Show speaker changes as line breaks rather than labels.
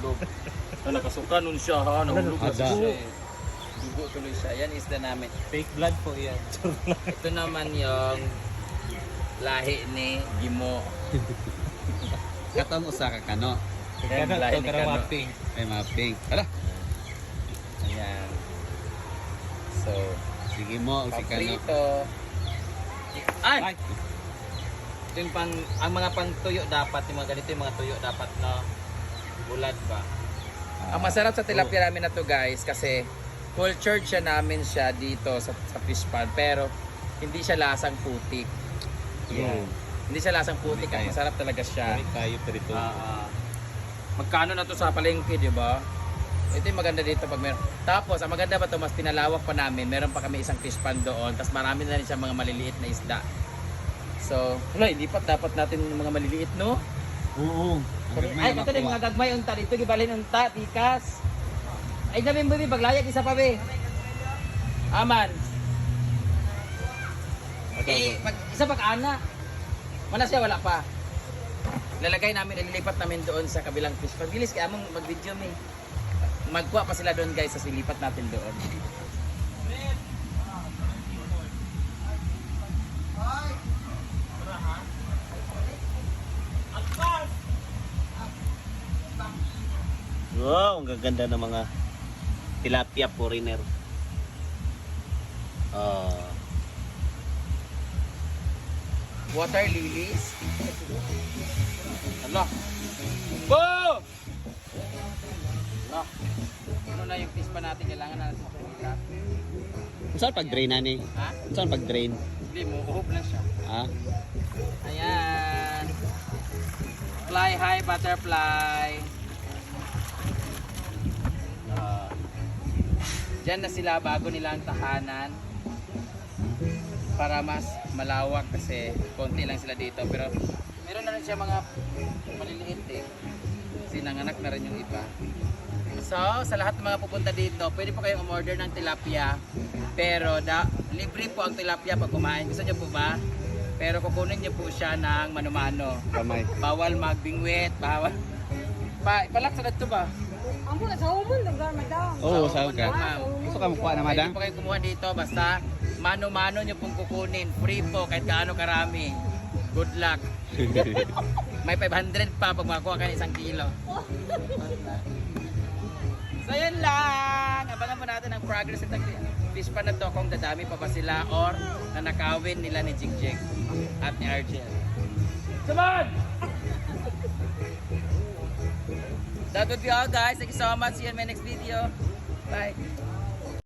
nahulog. Nakasuka nun siya ha, nahulog na
Ada.
siya eh. Dugo tuloy siya. Yan isda namin.
Fake blood po yan.
Ito naman yung lahi ni Gimo.
Katong usa ka kano.
Kaya
Yan, lahi
ito
ni
karang
Kano.
mapping.
Ay mapping. Hala.
Ayan. So,
Sige mo si kano.
paprito. Ay!
Ay!
Ito yung ang mga pangtuyo dapat, yung mga ganito yung mga tuyo dapat na bulad ba? Ang masarap sa tilapia namin na to guys kasi cultured siya namin siya dito sa fish pond pero hindi siya lasang putik.
Yeah.
Hindi siya lasang putik, ang masarap talaga siya.
Kami tayo perito.
Magkano na to sa palengke, di ba? Ito yung maganda dito pag meron. Tapos, ang maganda ba to mas pinalawak pa namin. Meron pa kami isang fish pond doon. Tapos marami na rin siya mga maliliit na isda. So, wala, ilipat dapat natin yung mga maliliit, no?
Oo.
Ay, ito na yung mga gagmay unta dito, gibalin unta, tikas. Ay, namin mo, paglayag, isa pa, be. Aman. Eh, isa pag-ana. Wala siya, wala pa. Lalagay namin, ililipat namin doon sa kabilang fish pond. Bilis, kaya mong mag-video, me. Magkuha pa sila doon, guys, sa silipat natin doon.
Wow, ang gaganda ng mga tilapia foreigner.
Water lilies. Hala. Bo! Hala. Ano na yung fish pa natin? Kailangan na natin makikita.
Saan pag-drain na ni?
Ha?
Saan pag-drain?
Hindi mo, uhop lang siya.
Ha?
Ayan. Fly high butterfly. Diyan na sila bago nila ang tahanan. Para mas malawak kasi konti lang sila dito. Pero meron na rin siya mga maliliit eh. Kasi nanganak na rin yung iba. So, sa lahat ng mga pupunta dito, pwede po kayong umorder ng tilapia. Pero libre po ang tilapia pag kumain. Gusto nyo po ba? Pero kukunin nyo po siya ng mano-mano.
Kamay.
Bawal magbingwit, bawal. Ipalak sa dito ba?
Ang pula sa umon, lugar madam.
Oo,
Sa
saan ka?
umon, ma'am.
Gusto ka makuha na madam?
Pwede po kayo kumuha dito basta mano-mano nyo pong kukunin. Free po kahit gaano karami. Good luck. May 500 pa pag makakuha kayo ng 1 kilo. So yun lang. Abangan po natin ang progress ng fish pa na to kung dadami pa ba sila or nanakawin nila ni Jigjig at ni Argel. Come on! That would be all guys. Thank you so much. See you in my next video. Bye.